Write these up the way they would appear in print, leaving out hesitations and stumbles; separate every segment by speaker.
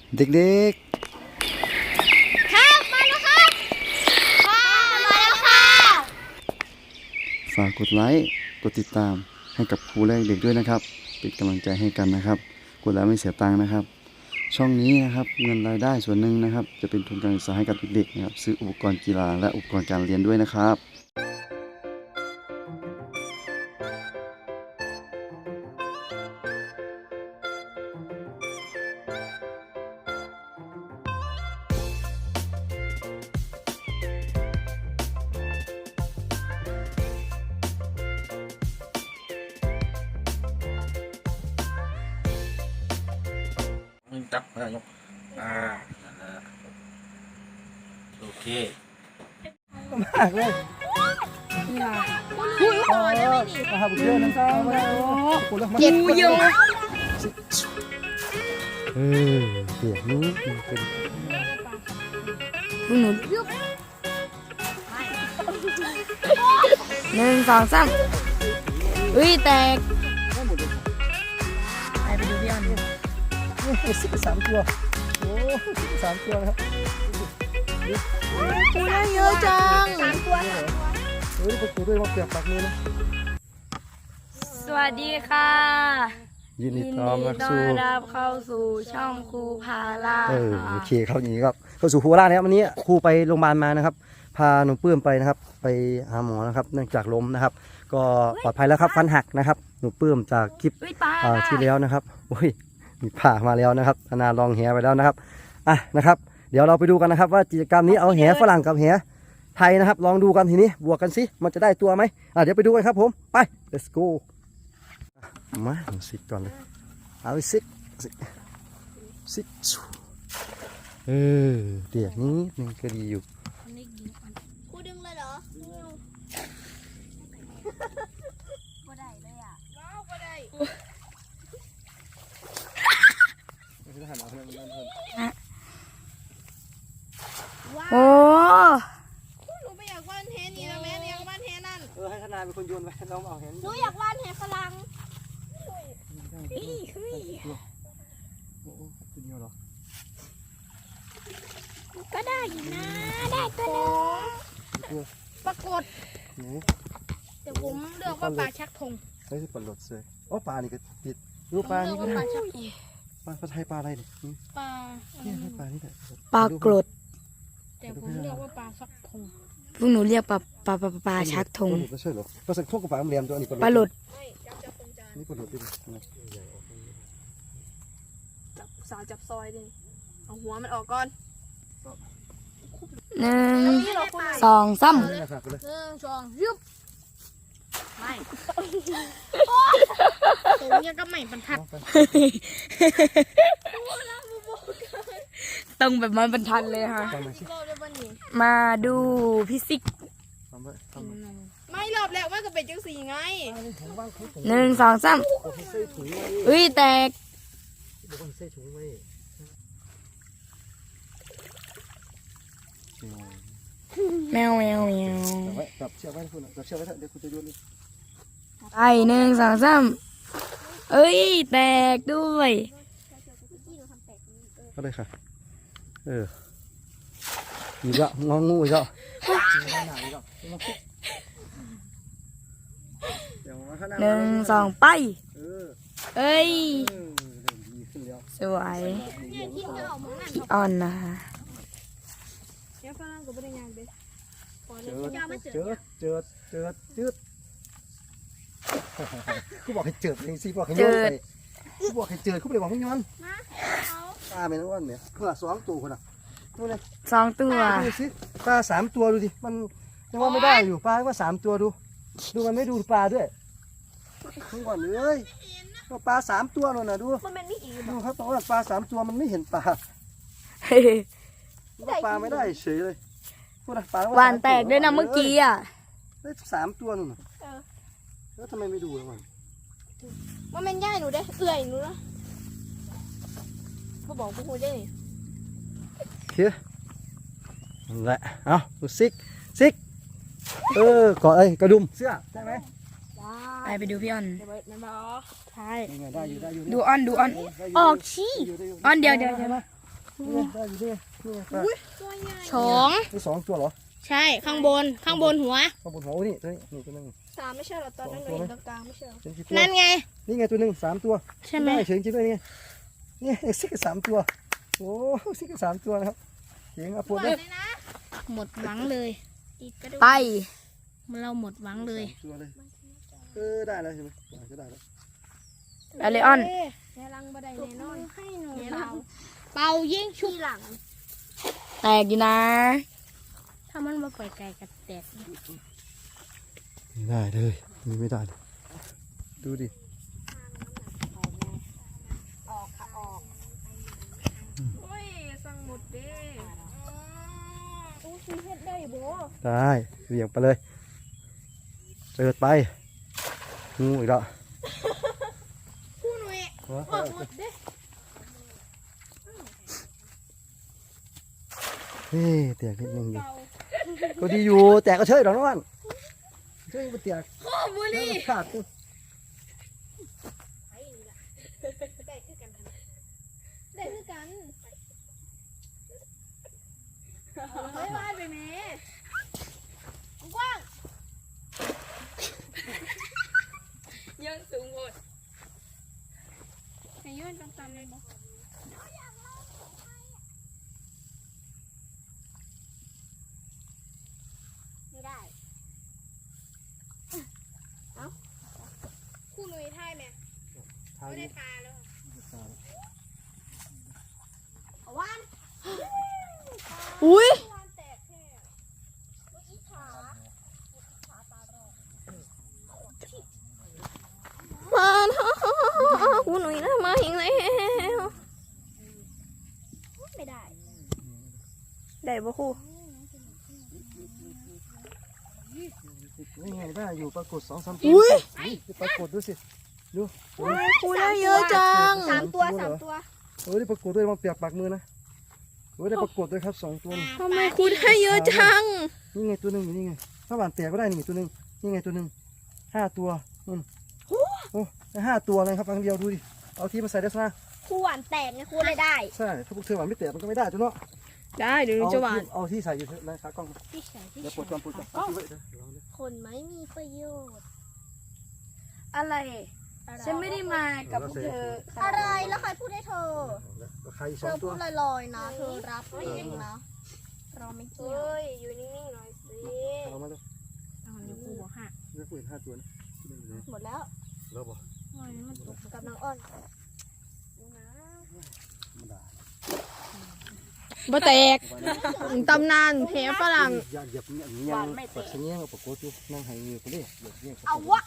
Speaker 1: เด็ก
Speaker 2: ครับมาแล้วครับมาแล้วค่ะ
Speaker 1: ๆฝากกดไลค์กดติดตามให้กับครูและเด็กด้วยนะครับเป็นกำลังใจให้กันนะครับกดแล้วไม่เสียตังค์นะครับช่องนี้นะครับเงินรายได้ส่วนหนึ่งนะครับจะเป็นทุนการศึกษาให้กับเด็กๆนะครับซื้ออุปกรณ์กีฬาและอุปกรณ์การเรียนด้วยนะครับ
Speaker 3: มึงจับมายกนั่นแหละโอเค
Speaker 4: มากเลยนะครับเยอะนะจ๊ะ
Speaker 2: เจ็บกูอยู่
Speaker 1: เดี๋ยวนี้มันเป็น
Speaker 2: หนูยุบ1 2 3อุ้ยแตกไปดูพี่ออน
Speaker 4: 3 ตัวโอ้3 ตัวนะครับ
Speaker 2: ได้เยอะจัง
Speaker 4: ประตูด้วยว่าเปียกปากมือนะ
Speaker 2: สวัสดีค่ะ
Speaker 1: ยินดีต้อน
Speaker 2: รับเข้าสู่ช่องครูพาล่า
Speaker 4: โอเคเข้าอย่างนี้ครับเข้าสู่ครูล่านะครับวันนี้ครูไปโรงพยาบาลมานะครับพาหนูปื้มไปนะครับไปหาหมอนะครับเนื่องจากล้มนะครับก็ปลอดภัยแล้วครับฟันหักนะครับหนูปื้มจากคลิปที่แล้วนะครับโอ้ยมีผ่ามาแล้วนะครับนาลองแหไปแล้วนะครับนะครับเดี๋ยวเราไปดูกันนะครับว่ากิจกรรมนี้เอาแหฝรั่งกับแหไทยนะครับลองดูกันทีนี้บวกกันสิมันจะได้ตัวไหมเดี๋ยวไปดูกันครับผมไป let's go มาซิกก่อนเลยเอาไปซิกเดี๋ยวนี้นึงก็ดีอยู่
Speaker 2: ครูดึงเลยเหรอบ่ได้เลยอ่ะบ่ได้โอ้หนูไม่อยากวาดเทนี่นะแม่อยากวาดเทนั่น
Speaker 4: ให้ขนาดเป็นคนโยนไปน้องเอาเห็น
Speaker 2: หนูอยากวาดเทฝรั่งก็ได้อยู่นะได้ตัวนึงปรากฏแต่ผมเลือกว่าปลาชักธง
Speaker 4: ใช่ที่ปลาหลดเลยอ๋อปลานี่ก็ติดรูปปลานี่ก็ได้ปลาไทยปลาอะไรดิ
Speaker 2: ปลา
Speaker 4: เนี่ยปลานี่แหละ
Speaker 2: ปลากรดแต่ผมเรียกว่าปลาชักธงพวกหนูเรียกปลาชักธง
Speaker 4: ไม่ใช่หรอปลาสักทงกับปลาเรียมตัวนี้
Speaker 2: ปลาหลด
Speaker 4: นี่ปลาหลดดิ
Speaker 2: สาวจับซอยดิเอาหัวมันออกก่อน1 2 3 1 2ยุบไม่ตัวนี้ก็ไม่บรรทัดต้องแบบมันบรรทัดเลยค่ะมาดูพิซิกไม่รอบแล้วว่าจะเป็นจังสีไง1 2 3อุ้ยแตกแมว
Speaker 4: จับเชือกไว้คุณจับเชือกไว้เดี๋ยวคุณจะโยน
Speaker 2: ไป1 2 3เอ้ยแตกด้วย
Speaker 4: ก็ได้ค่ะอีกแล้วงองูอีกแล้ว
Speaker 2: 1 2ไปเอ้ยสวยพี่ออนนะคะ
Speaker 4: เจิดกูบอกให้เจิดเองสิบอกให้โยนไปกูบอกให้เจิดกูเลยบอกให้ย้อนปลาเป็นอ้วนเนี่ยเพื่อ2 ตัวคนน่ะดูเลย
Speaker 2: 2 ตัว
Speaker 4: ดูสิปลา3 ตัวดูดิมันยังว่าไม่ได้อยู่ปลาว่า3 ตัวดูมันไม่ดูปลาด้วยทั้งวันเลยปลา3 ตัวนั่นน่ะดูดูเขาบอกว่าปลา3 ตัวมันไม่เห็นปลาปลาไม่ได้เฉยเลย
Speaker 2: หวานแตกด้วยนะเมื่อกี้อ่ะ
Speaker 4: ได้3 ตัวนู่นแล้วทำไมไม่ดูล่ะ
Speaker 2: ว่ามันย่ายหนูได้เอื่อยหนูนะเขาบอกพวกคุณได้
Speaker 4: เฮ้ยนั่นแหละเอาดูซิกกอดกระดุมเสื้อใช่ไหม
Speaker 2: ไปดูพี่ออน
Speaker 4: ใช่
Speaker 2: ดูออนออกชี้ออนเดี๋ยว
Speaker 4: นี่ไงได้อยู่นี่ไงนี่ไงปลา
Speaker 2: สอง
Speaker 4: นี่สองตัวเหรอ
Speaker 2: ใช่ข้างบนหัว
Speaker 4: ข้างบนหัวโอ้นี่ตัวนี้นี่ตัวนึง
Speaker 5: สามไม่ใช่เหรอตอนนั้นเราเห็นตรงกลางไม่ใช่เหรอ
Speaker 4: เห็นกี่ตัว
Speaker 2: นั่นไง
Speaker 4: นี่ไงตัวหนึ่งสามตัว
Speaker 2: ใช่ไหม
Speaker 4: ด้เฉยจริงด้วยนี่นี่ซิกสามตัวโอ้ซิกสามตัวนะครับเสียงอ่ะปวดเลย
Speaker 2: หมดหวังเลย
Speaker 5: อีกกระดูก
Speaker 2: ไปเราหมดหวังเลย
Speaker 4: สามตัวเลยได้แล้วใช่ไหมก็ได้แล้ว
Speaker 2: ไปเลยออน
Speaker 5: แนรังบันไดแน่นอนให้หนู
Speaker 2: แน
Speaker 5: เป
Speaker 2: รั
Speaker 5: ล่าง
Speaker 2: เป่ายิงชุบ
Speaker 5: ที่หลัง
Speaker 2: แตกอยู่นะ ถ้ามันมาไปไกลกับแตก
Speaker 4: ไม่ได้เลยนี่ไม่ได้เลยดูดิ
Speaker 5: ออกค่ะออกโอ้ยสั่งหมดเด้โอ้ยเฮ็ดได้บ่
Speaker 4: ได้เหวี่ยงไปเลยเจิดไปงูอีกแล้ว
Speaker 5: คู่หนุ่ยออกหมดเด้
Speaker 4: เฮ้ยแตกนิดนึงอยู่ก็ดีอยู่แตกก็เฉยหรอกน้องวันเฉยมันแตก
Speaker 5: โอ้บุรี
Speaker 4: ขาดตัว
Speaker 5: ได้คือกันได้คือกันไม่ว่าไปแม่กว้าง
Speaker 2: ยังสูงหมด
Speaker 5: ให้ยื่นตรงๆเลยบ่ ไม่ได้ เอ้าคู่หนุ่ยท่ายไหม
Speaker 4: ทาง
Speaker 5: ไม่ได้
Speaker 4: นี้
Speaker 5: ปลาแล้วเอาวัน
Speaker 2: อุ้ย
Speaker 5: วันแตกแค่อีขา
Speaker 2: มากูหนุ่ยนะมาเห็นแล้ว
Speaker 5: ไม่ได้
Speaker 2: ได้ปะครู
Speaker 4: นี่ไงได้อยู่ปรากฏสองสามตั
Speaker 2: อุ้
Speaker 4: วย ปรากฏดูสิดู
Speaker 2: ครูได้เยอะจัง
Speaker 5: สามตัว
Speaker 4: ได้ปรากฏด้วยมันเปียกปากมือนะได้ปรากฏด้วยครับสองตัว
Speaker 2: ทำไมครูได้เยอะจัง
Speaker 4: นี่ไงตัวหนึ่งอยู่นี่ไงถ้าหวานแตกก็ได้นี่ตัวหนึ่งนี่ไงตัวหนึ่งห้าตัวโอ้ห้าตัวเลยครับครั้งเดียวดูดิเอาที่มาใส่ได้ซะ
Speaker 5: คู่หวานแตกไงคู่เลยได้
Speaker 4: ใช่ถ้าพวกเธอหวานไม่แตกมันก็ไม่ได้จ้ะเนาะ
Speaker 2: ได้เดี๋ยวจะหวาน
Speaker 4: เอาที่ใส่อยู่เถอะนะครับกล้อง
Speaker 5: พี่ชายพี่
Speaker 4: เดี๋ยวปวดก่อนปวดก่อนเดี๋ยว
Speaker 5: คนไม่มีประโยชน์
Speaker 2: อะไร ฉันไม่ได้มากับพวกเธอ
Speaker 5: อะไรแล้วใครพูดให้เธอ
Speaker 4: ใครส
Speaker 5: เธ
Speaker 4: อง
Speaker 5: อ
Speaker 4: ตั
Speaker 5: พู
Speaker 4: ว
Speaker 5: ดลอยๆนะ เธอรับเองนะ เราไม่เกี่ยวอยู่นิ่งๆหน่อยสิ
Speaker 4: เอามาเลย
Speaker 2: ครูบอกค่ะ
Speaker 4: เลือกปืนห้าตัวนะ
Speaker 5: หมดแล้ว
Speaker 4: แล้วบอก
Speaker 5: กับน้องอ้อน
Speaker 2: บ่แตกตำนานแพ้ฝรั่ง
Speaker 4: อย่าเหยียบอย่างนี้ยังปัดเสียงกับปรากฏอยู่นั่งให้เงือกคนนี้เหยียบเงี้ย
Speaker 5: เอาวะ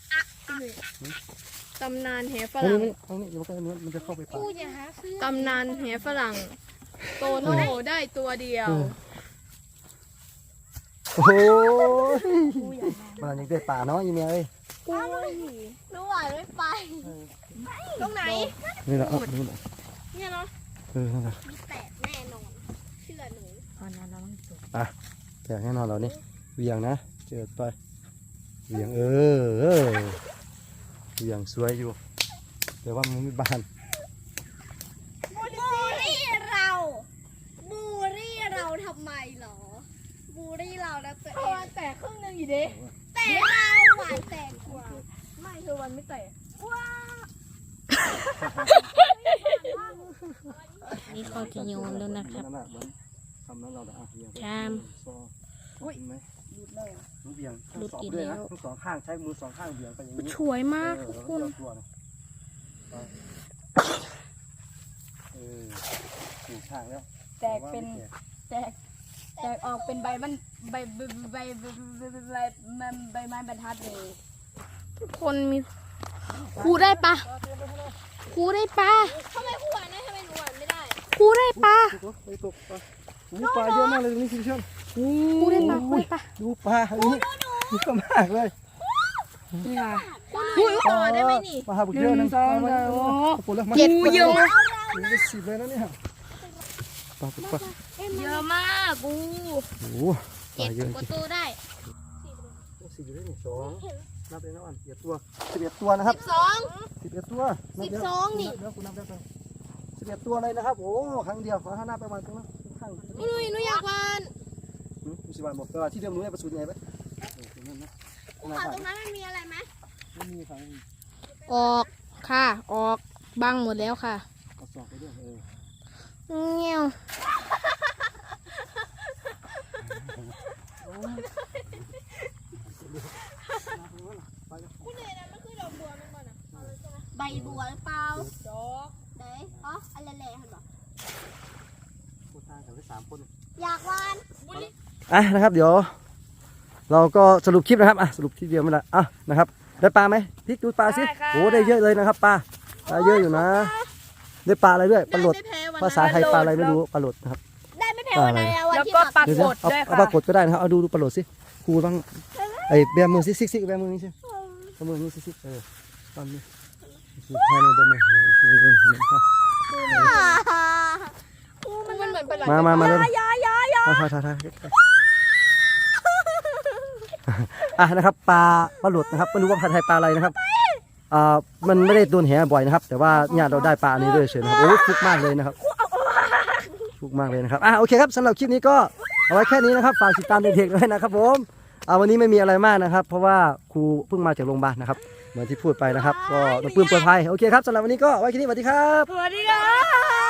Speaker 2: ตำนานแพ้ฝ
Speaker 4: เอา
Speaker 2: รั่ง
Speaker 4: นี่เอานี่เดี๋ยวมันจะเข้าไปปาก
Speaker 5: พูดอย่าหาซื้อ
Speaker 2: ตำนานแพ้ฝรั่งโตโน่ได้ตัวเดียว
Speaker 4: โอ้ยมันยังได้ป่าเนาะยี่เมียเอ้ย
Speaker 5: หนูหวานไม่ไป ตรงไหน
Speaker 4: นี่แหละนี่แหละ
Speaker 5: เนี่ยเนาะ
Speaker 4: นั่นแหละ
Speaker 5: มีแตกแน่นอน เชื่อหนู
Speaker 4: แต่แน่นอนเรานี่เวียงนะเจอไปเวียงเวียงสวยอยู่ แต่ว่ามันไม่บาน
Speaker 5: บูรี่เราทำไมเหรอ บูรี่เราแล้วตัวเอง
Speaker 2: แตกครึ่งนึงอยู่ดิ
Speaker 5: แต่เราหวานแตกกว่า
Speaker 2: ไม่เธอวันไม่แตก นี่เขาจะโยนแล้วนะครับ
Speaker 4: ทำนั้นเราอ่ะเวียง
Speaker 2: ชาม
Speaker 4: อุ้ยไหมหลุดเลยเวียง
Speaker 2: หลุดอีก
Speaker 4: ด้วย
Speaker 2: แล้
Speaker 4: นะ
Speaker 2: ว
Speaker 4: ทั้งสองข้างใช้มือสองข้างเวียงไปอย่างนี้
Speaker 2: สวยมากทุกคน
Speaker 4: ถูกทางแล้ว
Speaker 2: แตกเป็นแตกออกเป็นใบมันใบไม้บรรทัดเลยทุกคนมีครูได้ปะครูได้ปะ
Speaker 5: ทำไมหวานได้ทำไมหนูหวานไม่ได้
Speaker 2: ครูได้ปะ
Speaker 4: ไปตกปลาปลาเยอะมากเลยตรงนี้คุณผู้ชม
Speaker 2: ครูได้ปะครูได้ปะ
Speaker 4: ดูปลาอันนี้เยอะมากเลย
Speaker 2: นี่ค่ะ
Speaker 5: ต่อได้ไหมนี่
Speaker 4: ปลาบุกเยอะนะ
Speaker 2: 1 2 3
Speaker 4: เจ็ด
Speaker 2: เยอะ
Speaker 4: ได้10เลยนะเนี่ยปลาปลา
Speaker 2: เยอะมากกู
Speaker 4: โอ้โหปลาเยอะจ
Speaker 5: ก
Speaker 4: ริ
Speaker 5: ด
Speaker 4: ง
Speaker 5: ตู้ได้
Speaker 4: สี่อยู่ได้หนึ่งสองนับเลยนะอัน11 ตัว11 ตัวนะครับ
Speaker 5: สอง
Speaker 4: 11 ตัว
Speaker 5: 12นี่
Speaker 4: แล้วคุณนับได้ไหม 11 ตัวเลยนะครับโอ้ครั้งเดียวขอข้างหน้าประมาณข้างหน้าข้าง
Speaker 5: หนูอยากวาน
Speaker 4: ดูสิวันบอกแต่ว่าที่เดิมหนูได้ประสูติไงไหมตรงนั้นนะ
Speaker 5: ภูเขาตรงนั้นมันมีอะไรไหม
Speaker 4: ไม่มีครับ
Speaker 5: ออกค่ะออกบังหมดแล้วค่ะ
Speaker 4: กระสอบไปด้วย
Speaker 5: เงี้ยว ใบบัวหรือเปล่าดอกไหนอ๋ออะไรแหล่ๆเห็นบ่
Speaker 4: พูดทางกันได้3 คน
Speaker 5: อยากวาน
Speaker 4: นะครับเดี๋ยวเราก็สรุปคลิปนะครับสรุปทีเดียวไม่ละนะครับได้ปลาไหมพลิกดูปลาสิโอ้ได้เยอะเลยนะครับปลาเยอะอยู่นะได้ปลาอะไรด้วยปลาหลดภาษาไทยปลาอะไรไม่รู้ปลาหลดนะครับ
Speaker 5: ได้ไม่แพ้วันไหนอะวัน
Speaker 2: แล้ว
Speaker 5: ที่
Speaker 2: ก็
Speaker 5: แบบ
Speaker 2: ปลาก
Speaker 4: เดี๋ยว
Speaker 2: ดด้วย
Speaker 4: เอา
Speaker 2: ค่ะ
Speaker 4: ปลากดก็ได้นะครับเอาดูปลาหลดสิครูบ้างไอ้แบมือซิกแบมือนี่สิแบมือนี่ซิตอนนี้ให้ในแบมือ
Speaker 5: มันเหมือนปลาไหล
Speaker 4: มาเลยถ่ายนะครับปลาหลดนะครับไม่รู้ว่าภาษาไทยปลาอะไรนะครับมันไม่ได้โดนแหบ่อยนะครับแต่ว่าญาติเราได้ปลาอันนี้ด้วยเฉยนะครับโอ้ฟุกมากเลยนะครับฟุกมากเลยนะครับโอเคครับสำหรับคลิปนี้ก็เอาไว้แค่นี้นะครับฝากติดตามเด็กๆด้วยนะครับผมวันนี้ไม่มีอะไรมากนะครับเพราะว่าครูเพิ่งมาจากโรงพยาบาลนะครับเหมือนที่พูดไปนะครับก็น้องปื้มปลอดภัยโอเคครับสำหรับวันนี้ก็ไว้แค่นี้สวัสดีครับ
Speaker 2: สวัสดีค่ะ